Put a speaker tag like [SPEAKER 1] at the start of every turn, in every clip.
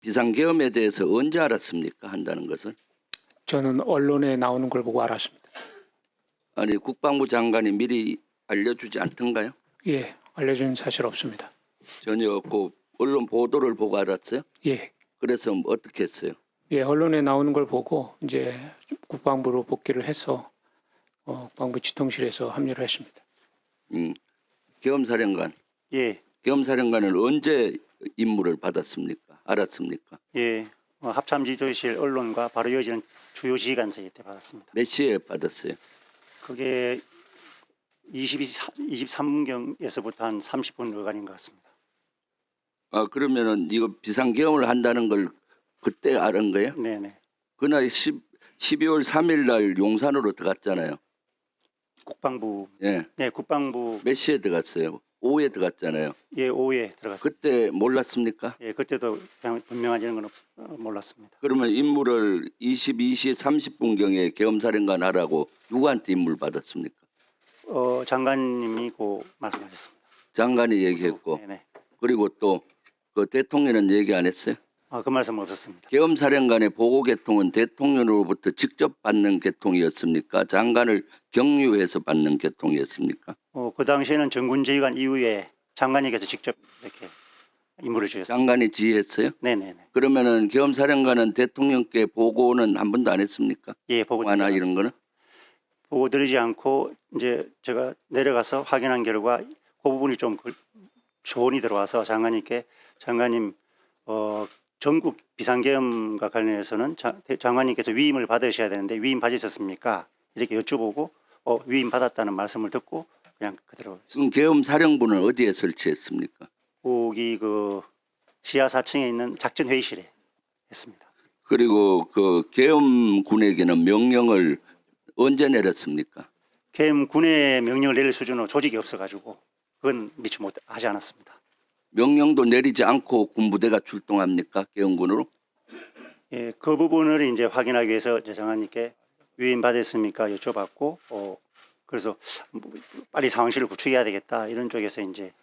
[SPEAKER 1] 비상계엄에 대해서 언제 알았습니까? 한다는 것을.
[SPEAKER 2] 저는 언론에 나오는 걸 보고 알았습니다.
[SPEAKER 1] 아니 국방부 장관이 미리 알려주지 않던가요?
[SPEAKER 2] 예, 알려준 사실 없습니다.
[SPEAKER 1] 전혀 없고 언론 보도를 보고 알았어요?
[SPEAKER 2] 예,
[SPEAKER 1] 그래서 어떻게 했어요?
[SPEAKER 2] 예, 언론에 나오는 걸 보고 이제 국방부로 복귀를 해서 국방부 지통실에서 합류를 했습니다.
[SPEAKER 1] 계엄사령관.
[SPEAKER 3] 예,
[SPEAKER 1] 계엄사령관은 언제 임무를 받았습니까? 알았습니까?
[SPEAKER 3] 예. 합참지도실 언론과 바로 이어지는 주요 지휘관서에 때 받았습니다.
[SPEAKER 1] 몇 시에 받았어요?
[SPEAKER 3] 그게 23분경에서부터 한 30분 어간인 것 같습니다.
[SPEAKER 1] 아 그러면은 이거 비상계엄을 한다는 걸 그때 알은 거예요?
[SPEAKER 3] 네네.
[SPEAKER 1] 그날 12월 3일 날 용산으로 들어갔잖아요.
[SPEAKER 3] 국방부,
[SPEAKER 1] 예.
[SPEAKER 3] 네, 국방부,
[SPEAKER 1] 몇 시에 들어갔어요? 오후에 들어갔잖아요.
[SPEAKER 3] 예, 오후에 들어갔습니다.
[SPEAKER 1] 그때 몰랐습니까?
[SPEAKER 3] 예, 그때도 그냥 분명하지는 건 몰랐습니다.
[SPEAKER 1] 그러면 임무를 22시 30분경에 계엄사령관 하라고 누구한테 임무를 받았습니까?
[SPEAKER 3] 장관님이 고 말씀하셨습니다.
[SPEAKER 1] 장관이 얘기했고
[SPEAKER 3] 네네.
[SPEAKER 1] 그리고 또 그 대통령은 얘기 안 했어요?
[SPEAKER 3] 그 말씀은 없었습니다.
[SPEAKER 1] 계엄사령관의 보고 계통은 대통령으로부터 직접 받는 계통이었습니까? 장관을 경유해서 받는 계통이었습니까?
[SPEAKER 3] 그 당시에는 정군지휘관 이후에 장관님께서 직접 이렇게 임무를 주셨습니다.
[SPEAKER 1] 장관이 지휘했어요?
[SPEAKER 3] 네네네.
[SPEAKER 1] 그러면은 계엄사령관은 대통령께 보고는 한 번도 안 했습니까?
[SPEAKER 3] 예, 보고
[SPEAKER 1] 하나 이런 거는?
[SPEAKER 3] 보고 드리지 않고 이제 제가 내려가서 확인한 결과 그 부분이 좀 조언이 들어와서 장관님 전국 비상계엄과 관련해서는 장관님께서 위임을 받으셔야 되는데 위임 받으셨습니까? 이렇게 여쭤보고 위임 받았다는 말씀을 듣고 그냥 그대로
[SPEAKER 1] 그럼 계엄사령부는 어디에 설치했습니까?
[SPEAKER 3] 거기 그 지하 4층에 있는 작전회의실에 했습니다.
[SPEAKER 1] 그리고 그 계엄군에게는 명령을 언제 내렸습니까?
[SPEAKER 3] 계엄 군의 명령을 내릴 수준으로 조직이 없어가지고 그건 미처 하지 않았습니다.
[SPEAKER 1] 명령도 내리지 않고 군부대가 출동합니까? 계엄군으로?
[SPEAKER 3] 예, 그 부분을 이제 확인하기 위해서 이제 장관님께 위임 받았습니까 여쭤봤고, 그래서 빨리 상황실을 구축해야 되겠다 이런 쪽에서 이제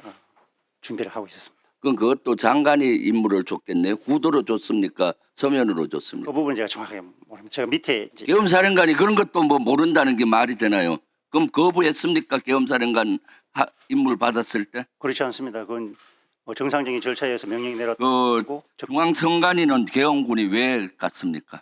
[SPEAKER 3] 준비를 하고 있었습니다.
[SPEAKER 1] 그럼 그것도 장관이 임무를 줬겠네요. 구도로 줬습니까? 서면으로 줬습니까?
[SPEAKER 3] 그 부분 제가 정확하게 모릅니다. 제가 밑에 이제
[SPEAKER 1] 계엄사령관이 그런 것도 뭐 모른다는 게 말이 되나요? 그럼 거부했습니까? 계엄사령관 임무를 받았을 때?
[SPEAKER 3] 그렇지 않습니다. 그건 정상적인 절차에 의해서 명령이
[SPEAKER 1] 그
[SPEAKER 3] 내렸고
[SPEAKER 1] 중앙선관위는 계엄군이 왜 갔습니까?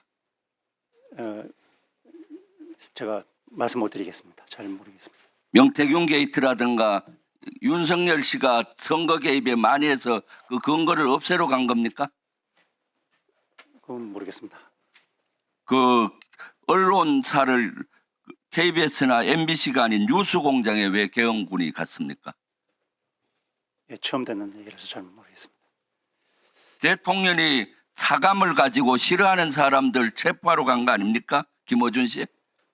[SPEAKER 3] 제가 말씀 못 드리겠습니다. 잘 모르겠습니다.
[SPEAKER 1] 명태균 게이트라든가 윤석열 씨가 선거 개입에 많이 해서 그 근거를 없애러 간 겁니까?
[SPEAKER 3] 그건 모르겠습니다.
[SPEAKER 1] 그 언론사를 KBS나 MBC가 아닌 뉴스공장에 왜 계엄군이 갔습니까?
[SPEAKER 3] 예, 처음 듣는 얘기라서 잘 모르겠습니다.
[SPEAKER 1] 대통령이 사감을 가지고 싫어하는 사람들 체포하러 간 거 아닙니까? 김어준 씨?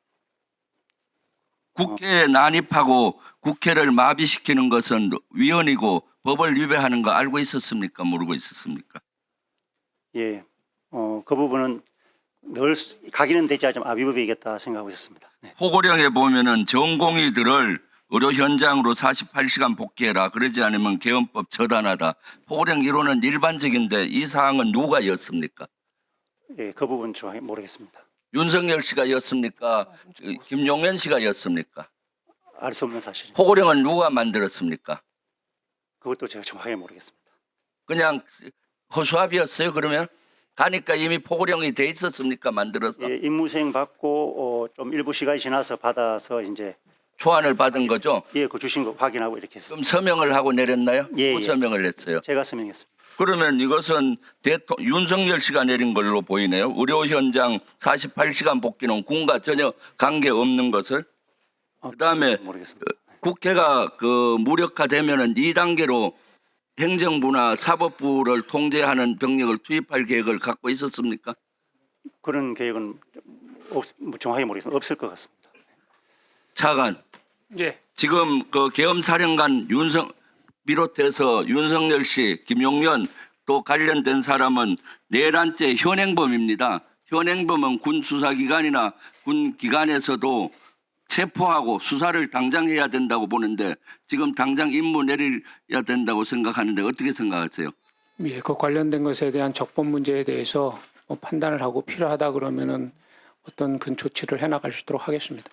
[SPEAKER 1] 국회에 난입하고 국회를 마비시키는 것은 위헌이고 법을 위배하는 거 알고 있었습니까? 모르고 있었습니까?
[SPEAKER 3] 예, 그 부분은 늘 가기는 되지 않지만 위법이겠다 생각하고 있었습니다. 네.
[SPEAKER 1] 포고령에 보면은 전공의들을 의료 현장으로 48시간 복귀해라. 그러지 않으면 계엄법 처단하다. 포고령 이론은 일반적인데 이 사항은 누가 였습니까?
[SPEAKER 3] 예, 그 부분 정확히 모르겠습니다.
[SPEAKER 1] 윤석열 씨가 였습니까? 김용현 씨가 였습니까?
[SPEAKER 3] 알 수 없는 사실입니다.
[SPEAKER 1] 포고령은 누가 만들었습니까?
[SPEAKER 3] 그것도 제가 정확하게 모르겠습니다.
[SPEAKER 1] 그냥 허수아비였어요. 그러면 가니까 이미 포고령이 돼 있었습니까? 만들어서
[SPEAKER 3] 예, 임무수행 받고 좀 일부 시간이 지나서 받아서 이제
[SPEAKER 1] 초안을 받은 거죠.
[SPEAKER 3] 예, 그 주신 거 확인하고 이렇게 했습니다.
[SPEAKER 1] 그럼 서명을 하고 내렸나요?
[SPEAKER 3] 예,
[SPEAKER 1] 또
[SPEAKER 3] 예.
[SPEAKER 1] 서명을 했어요.
[SPEAKER 3] 제가 서명했습니다.
[SPEAKER 1] 그러면 이것은 윤석열 씨가 내린 걸로 보이네요. 의료 현장 48시간 복귀는 군과 전혀 관계 없는 것을. 그다음에
[SPEAKER 3] 모르겠습니다.
[SPEAKER 1] 국회가 그 무력화되면은 2단계로 행정부나 사법부를 통제하는 병력을 투입할 계획을 갖고 있었습니까?
[SPEAKER 3] 그런 계획은 정확하게 모르겠습니다. 없을 것 같습니다.
[SPEAKER 1] 차관,
[SPEAKER 2] 예,
[SPEAKER 1] 지금 그 계엄사령관 비롯해서 윤석열 씨, 김용현 또 관련된 사람은 내란죄 현행범입니다. 현행범은 군 수사기관이나 군 기관에서도 체포하고 수사를 당장 해야 된다고 보는데 지금 당장 임무 내려야 된다고 생각하는데 어떻게 생각하세요?
[SPEAKER 2] 예, 그 관련된 것에 대한 적법 문제에 대해서 판단을 하고 필요하다 그러면은 어떤 그 조치를 해나갈 수 있도록 하겠습니다.